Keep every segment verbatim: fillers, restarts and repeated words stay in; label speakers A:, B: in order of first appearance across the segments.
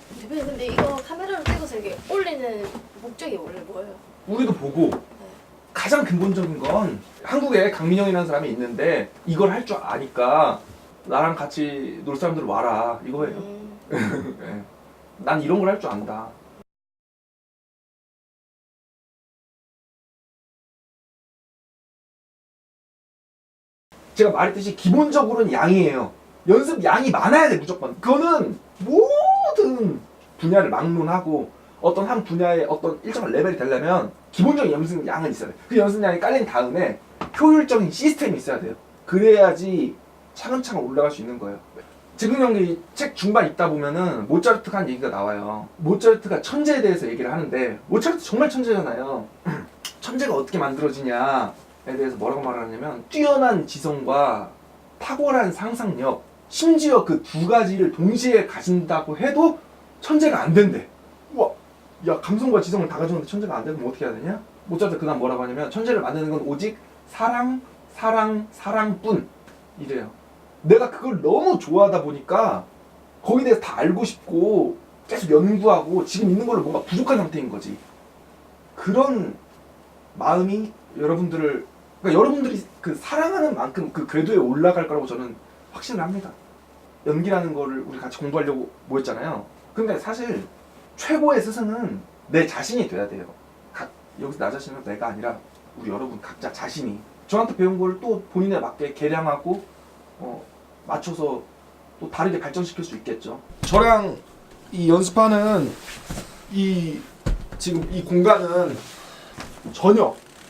A: 대표님 근데 이거 카메라로 찍어서 이게 올리는 목적이 원래 뭐예요?
B: 우리도 보고 가장 근본적인 건 한국에 강민영이라는 사람이 있는데 이걸 할 줄 아니까 나랑 같이 놀 사람들 와라 이거예요.
A: 음.
B: 네. 난 이런 걸 할 줄 안다. 제가 말했듯이 기본적으로는 양이에요. 연습 양이 많아야 돼 무조건. 그거는 모든 분야를 막론하고 어떤 한 분야의 어떤 일정한 레벨이 되려면 기본적인 연습 양은 있어야 돼. 그 연습 양이 깔린 다음에 효율적인 시스템이 있어야 돼요. 그래야지 차근차근 올라갈 수 있는 거예요. 지금 형이 책 중반 읽다 보면은 모차르트가 한 얘기가 나와요. 모차르트가 천재에 대해서 얘기를 하는데 모차르트 정말 천재잖아요. 천재가 어떻게 만들어지냐에 대해서 뭐라고 말하냐면 뛰어난 지성과 탁월한 상상력, 심지어 그 두 가지를 동시에 가진다고 해도 천재가 안 된대. 우와, 야 감성과 지성을 다 가졌는데 천재가 안 되면 어떻게 해야 되냐? 모차르트 그다음 뭐라고 하냐면 천재를 만드는 건 오직 사랑, 사랑, 사랑뿐 이래요. 내가 그걸 너무 좋아하다 보니까 거기에 대해서 다 알고 싶고 계속 연구하고 지금 있는 걸로 뭔가 부족한 상태인 거지. 그런 마음이 여러분들을 그러니까 여러분들이 그 사랑하는 만큼 그 궤도에 올라갈 거라고 저는 확신을 합니다. 연기라는 거를 우리 같이 공부하려고 모였잖아요. 근데 사실 최고의 스승은 내 자신이 돼야 돼요. 각, 여기서 나 자신은 내가 아니라 우리 여러분 각자 자신이 저한테 배운 걸 또 본인에 맞게 개량하고 어, 맞춰서 또 다르게 발전시킬 수 있겠죠. 저랑 이 연습하는 이 지금 이 공간은 전혀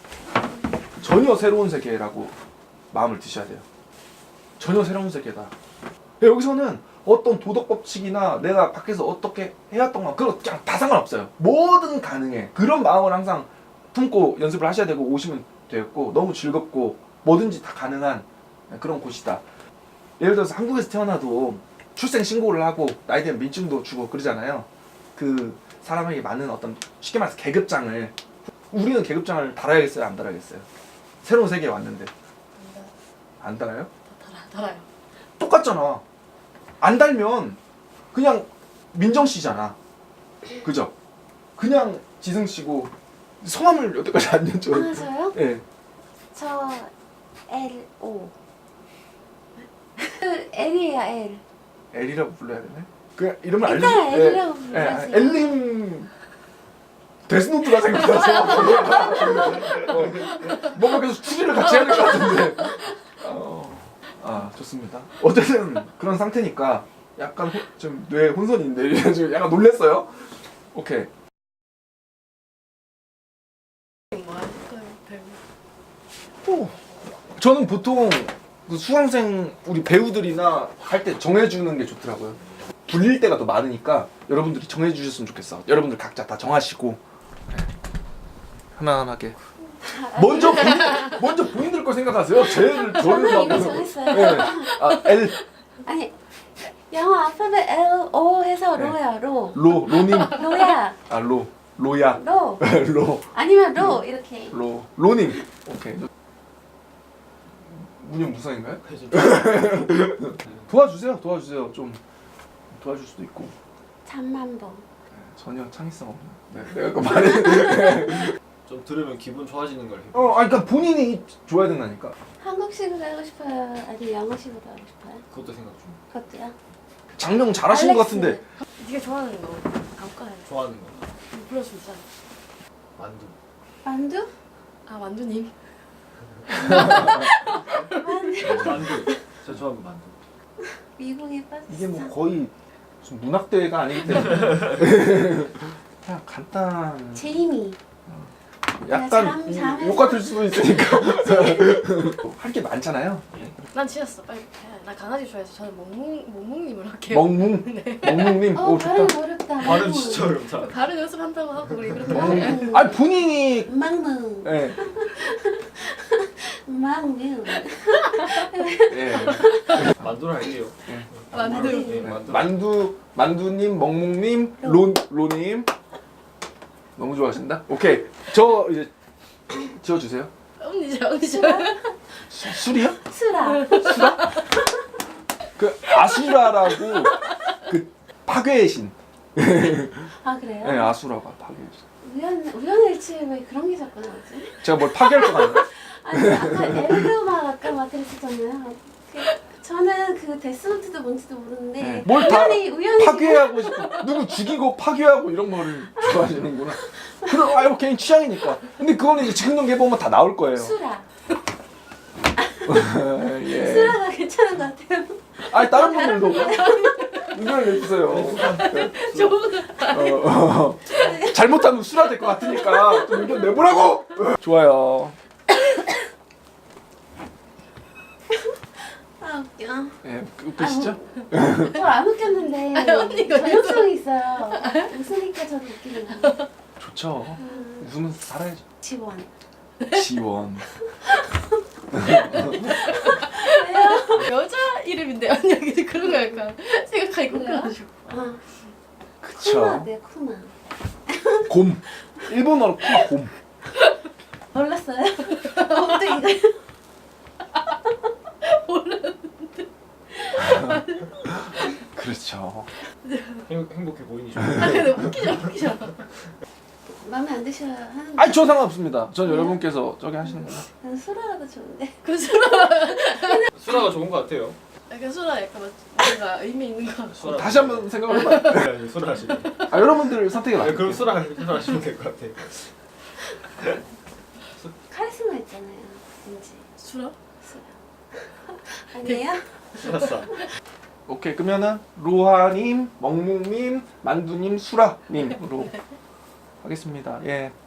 B: 전혀 새로운 세계라고 마음을 드셔야 돼요. 전혀 새로운 세계다. 여기서는 어떤 도덕 법칙이나 내가 밖에서 어떻게 해왔던 건 그거 그냥 다 상관없어요. 뭐든 가능해. 그런 마음을 항상 품고 연습을 하셔야 되고 오시면 되겠고 너무 즐겁고 뭐든지 다 가능한 그런 곳이다. 예를 들어서 한국에서 태어나도 출생 신고를 하고 나이 되면 민증도 주고 그러잖아요. 그 사람에게 맞는 어떤 쉽게 말해서 계급장을 우리는 계급장을 달아야겠어요? 안 달아야겠어요? 새로운 세계에 왔는데 안 달아요?
A: 달아, 달아요.
B: 똑같잖아. 안 달면 그냥 민정 씨잖아. 그죠? 그냥 지승 씨고 성함을 여태까지 안 여쭤.
A: 아 저요?
B: 예. 네.
A: 저 L O. L이에요 L.
B: L이라고 불러야 되네. 그 이름을 알려.
A: 일단 L이라고 불러주세요.
B: 엘림 데스노트가 생각나서 어, 뭔가 계속 추리를 같이 해야 될 것 같은데. 어, 아 좋습니다. 어쨌든 그런 상태니까 약간 호, 좀 뇌 혼선인데 지금 약간 놀랬어요. 오케이.
A: 뭐 할까요? 배우.
B: 오, 저는 보통 그 수강생 우리 배우들이나 할 때 정해주는 게 좋더라고요. 불릴 때가 더 많으니까 여러분들이 정해주셨으면 좋겠어. 여러분들 각자 다 정하시고 네. 하나하나게 먼저 본인, 먼저 본인들 거 생각하세요. 쟤를 저를
A: 이미
B: 막
A: 정했어요.
B: 네. 아 L
A: 아니 영어 알파벳 L O 해서
B: 네.
A: 로야 로.
B: 로 로님
A: 로야
B: 아 로 로야
A: 로.
B: 로
A: 아니면 로 이렇게.
B: 로 로님 오케이. 문형 무상인가요? 도와주세요. 도와주세요. 좀 도와줄 수도 있고.
A: 잠만보.
B: 전혀 창의성 없는. 네, 내가 그 말해.
C: 좀 들으면 기분 좋아지는 걸 해요.
B: 어, 아니 그러니까 본인이 좋아야 된다니까.
A: 한국식으로 하고 싶어요? 아니면 영어식으로 하고 싶어요?
C: 그것도 생각 중.
A: 그것도요?
B: 장명 잘하시는 것
A: 알렉스.
B: 같은데.
A: 네가 좋아하는 거 아무거나 해.
C: 좋아하는 거.
A: 불러주면 되잖아.
C: 만두.
A: 만두? 아 만두님.
C: 만두. 저 좋아하는 만두.
A: 미국에 빠졌어.
B: 이게 뭐 거의 무슨 문학대회가 아니기 때문에 그냥 간단.
A: 제이미.
B: 약간
A: 잠- 잠에서-
B: 옷 같을 수도 있으니까 할 게 많잖아요.
D: 난 지었어. 빨리 해. 나 강아지 좋아해서 저는 멍뭉 멍뭉님을 할게요.
B: 멍뭉 멍뭉님.
A: 어
B: 오
A: 발음
B: 좋다.
A: 어렵다.
C: 발음 진짜 어렵다.
D: 다른 연습한다고 하고 우리 그렇게
B: 멍뭉.
D: 하네.
B: 아니 본인이
A: 망뭉.
B: 예.
A: 망뭉.
B: 예.
C: 만두를 할게요.
D: 만두.
C: 네,
B: 네.
C: 만두.
B: 만두 만두님, 멍뭉님, 로 로님 너무 좋아하신다. 오케이 저 이제 지어주세요.
D: 언니 저 언니 저.
B: 수, 술이요?
A: 수라.
B: 그 아수라라고 그 파괴의 신
E: 아 그래요?
B: 네, 아수라가 파괴했어요.
E: 우연 우연일치 왜 그런 게 자꾸 나오지?
B: 제가 뭘 파괴할 거 같나요?
E: 아니 아까 에르드만 아까 맡으셨잖아요. 그, 저는 그 데스노트도 뭔지도 모르는데
B: 네. 뭘 다
E: 우연히 우연히
B: 파괴하고 싶고 누구 죽이고 파괴하고 이런 거를 좋아하시는구나. 그럼 아유 개인 취향이니까. 근데 그거는 이제 지금 넘겨 보면 다 나올 거예요.
E: 수라
B: 예.
E: 수라가 괜찮은 것 같아요.
B: 아니 다른 분들도 의견을 내주세요.
D: 저분은
B: 어, 어. 잘못하면 수라 될 것 같으니까 좀 의견 내보라고. 좋아요.
E: 아 웃겨.
B: 예, 웃기시죠?
E: 저안 웃겼는데
D: 아니, 언니가
E: 전형성이 있어요. 웃으니까 저도 웃기는 거.
B: 좋죠.
E: 음,
B: 웃으면 살아야죠.
E: 지원.
B: 지원.
D: 여자 이름인데 언니 여기 그런 거 약간 생각하니까
E: 그래요?
D: 웃겨가지고.
E: 아 쿠마
B: 그쵸.
E: 어때요 쿠마?
B: 곰. 일본어로 쿠마 곰.
E: 몰랐어요? 어떻게 이거?
B: 그렇죠.
C: 행, 행복해 보이니
D: 아
C: 좀.
D: 근데 웃기잖아 웃기잖아.
E: 마음에 안 드셔야 하는.
B: 아니 저 상관없습니다. 전 여러분께서 저기 하시는 거예요.
E: 나는 수라가 좋은데.
D: 그 수라
C: 수라가 좋은 것 같아요.
D: 약간 수라 약간 뭔가 의미 있는 거 같고.
C: 수라.
B: 다시 한번 생각을 해봐요.
C: 아니, 아니 수라 하시네.
B: 아 여러분들 선택해
C: 아니,
B: 봐.
C: 그럼 수라 수라 하시면 될 것 같아.
E: 카리스마 있잖아요. 왠지
D: 수라?
E: 수라. 아니에요?
C: 수라 싸.
B: 오케이 그러면은 로하님, 멍뭉님, 만두님, 수라님으로 하겠습니다. 예.